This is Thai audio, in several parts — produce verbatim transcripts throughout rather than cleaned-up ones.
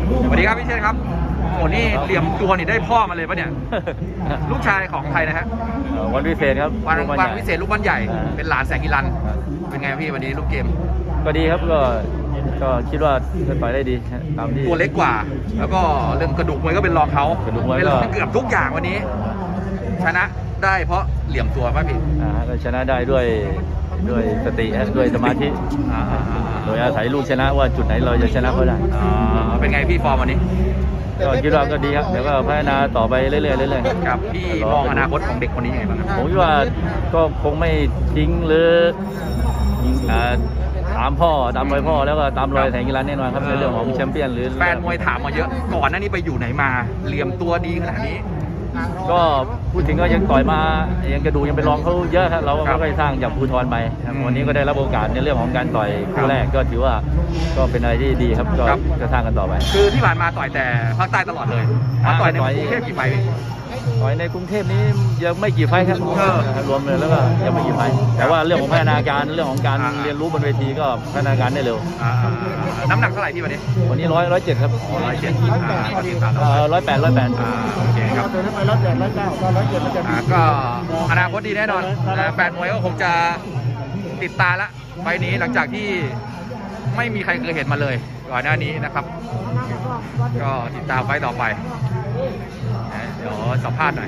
สวัสดีครับพี่เชษครับโอ้นี่เหลี่ยมตัวนี่ได้พ่อมาเลยปะเนี่ย ลูกชายของใครนะฮะวันวิเศษครับวันลูกวันใหญ่วิเศษลูกบ้านใหญ่อ่าเป็นหลานแสงกีรัน เป็นไงพี่วันนี้ลูกเกมก็ดีครับก็ก็คิดว่าจะต่อยได้ดีตามที่ตัวเล็กกว่า แล้วก็เรื่องกระดูกมวยก็เป็นรองเขากระดูกมวยก็เป็นรองเกือบทุกอย่างวันนี้ ชนะได้เพราะเหลี่ยมตัวป่ะพี่อ่าก็ชนะได้ด้วยด้วยสติฮะด้วยสมาธิอ่าอ่าอ่าโดยอาศัยลูกชนะว่าจุดไหนเราจะชนะเขาได้อ่าเป็นไงพี่ฟอร์มวันนี้ก็คิดว่าก็ดีครับเดี๋ยวก็พัฒนาต่อไปเรื่อยๆเรื่อยๆครับพี่มองอนาคตของเด็กคนนี้ยังไงบ้างครับผมคิดว่าก็คงไม่ทิ้งหรืออ่าตามพ่อตามรอยพ่อแล้วก็ตามรอยแสงกีฬาแน่นอนครับในเรื่องของแชมเปี้ยนหรือแฟนมวยถามมาเยอะก่อนหน้านี้ไปอยู่ไหนมาเหลี่ยมตัวดีขนาดนี้ก็พูดถึงก็ยังต่อยมายังกระดูกยังไปรองเขาเยอะครับเราก็ครับค่อยๆสร้างจากภูทรไปครับอืมวันนี้ก็ได้รับโอกาสในเรื่องของการต่อยครัคู่บแรกก็ถือว่าก็เป็นอะไรที่ดีครับก็ครับจะสร้างกันต่อไปคือที่ผ่านมาต่อยแต่ภาคใต้ตลอดเลยมาต่อยในต่อยกรุงเทพกี่ไฟล์พี่ต่อยในกรุงเทพนี้ยังไม่กี่ไฟท์ครับเออรวมเลยแล้วก็ยังไม่กี่ไฟท์แต่ว่าเรื่องของพัฒนาการเรื่องของการอ่าเรียนรู้บนเวทีก็พัฒนาการได้เร็วอ่าน้ำหนักเท่าไหร่พี่วันนี้วันนี้ร้อยร้อยเจ็ดครับร้อยเจ็ดอ่าก็ทีมขาดร้อยแปดร้อยแปดอ่าโอเคครับตัวนี้ไปร้อยแปดร้อยเก้าก็ร้อยเจ็ดร้อยเจ็ดอ่าก็อนาคตดีแน่นอนนะแฟนมวยก็คงจะติดตามละไฟล์นี้หลังจากที่ไม่มีใครเคยเห็นมาเลยก่อนหน้านี้นะครับ ก็ติดตามไฟล์ต่อไปนะเดี๋ยวสัมภาษณ์หน่อย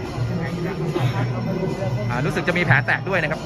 อ่ารู้สึกจะมีแผลแตกด้วยนะครับ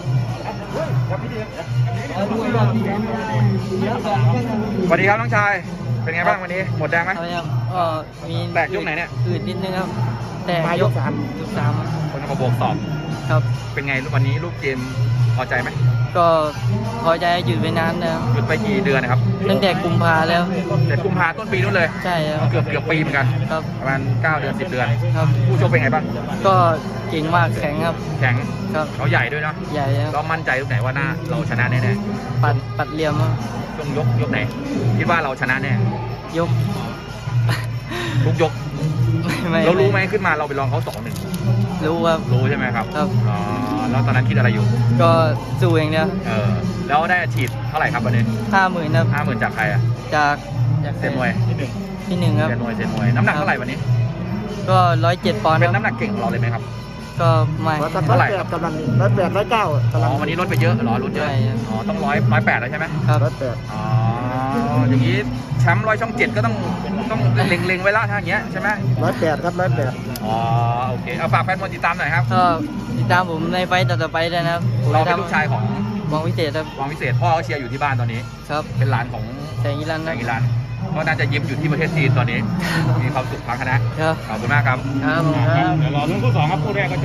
สวัสดีครับน้องชายเป็นไงบ้างวันนี้หมดแดงไหมครับก็มีแตกยกไหนเนี่ยอืดนิดนึงครับ แต่มายกสามยกสามคนเขาบอกสอบครับเป็นไงวันนี้ลูกเกมพอใจไหมก็พอใจหยุดไปนานแล้วหยุดไปกี่เดือนนะครับตั้งแต่กุมภาแล้วแต่กุมภาต้นปีนู้นเลยใช่ครับเกือบเกือบปีเหมือนกันครับประมาณเก้าเดือนสิบเดือนครับผู้ชกเป็นไงบ้างก็เก่งมากแข็งครับแข็งครับเขาใหญ่ด้วยเนาะใหญ่ครับเรามั่นใจตรงไหนว่าหน้าเราชนะแน่ปัดปัดเหลี่ยมครับๆช่วงยกยกไหน คิดว่าเราชนะแน่ยกทุกยกไม่เรารู้ไหมขึ้นมาเราไปลองเขาสองหนึ่งรู้ครับรู้ใช่ไหมครับครับอ๋อแล้วตอนนั้นคิดอะไรอยู่ก็สู้อย่างเดียวเออแล้วได้ฉีดเท่าไหร่ครับวันนี้ห้าหมื่นครับห้าหมื่นจากใครอะจากจากเซนมวยที่หนึ่งครับเซนมวยเซนมวยน้ำหนักเท่าไหร่วันนี้ก็ร้อยเจ็ดปอนด์เป็คน รับน้ำหนักเก่งของเราเลยไหมครับก็ไม่ร้อยแปดเท่าไหร่กำลังร้อยแปดร้อยเก้าอ๋กำลังอวันนี้ลดไปเยอะเหรอลดเยอะใช่ครับอ๋อต้องร้อยร้อยแปดแล้วใช่ไหมครับร้อยแปดอ๋ออย่างนี้แชมป์ร้อยช่องเจ็ดก็ต้องต้องเล็งๆไว้ละถ้าอย่างเงี้ยใช่ไหมร้อยแปดครับร้อยแปดอ๋อโอเคเอาฝากแฟนมวยติดตามหน่อยครับก็ติดตามผมในไฟต์ต่อๆไปด้วยนะครับผมเราจะเป็นลูกชายของมองวิเศษครับวังวิเศษพ่อเขาเชียร์อยู่ที่บ้านตอนนี้ครับเป็นหลานของแสงอีรันแสนะงอีรันก็น่าจะยิ้มอยู่ที่ประเทศจีนตอนนี้ มีความสุขพังคณะครับขอบคุณมากครับครับผมครับเดี๋ยวรอรุ่นคู่สองครับคู่แรกก็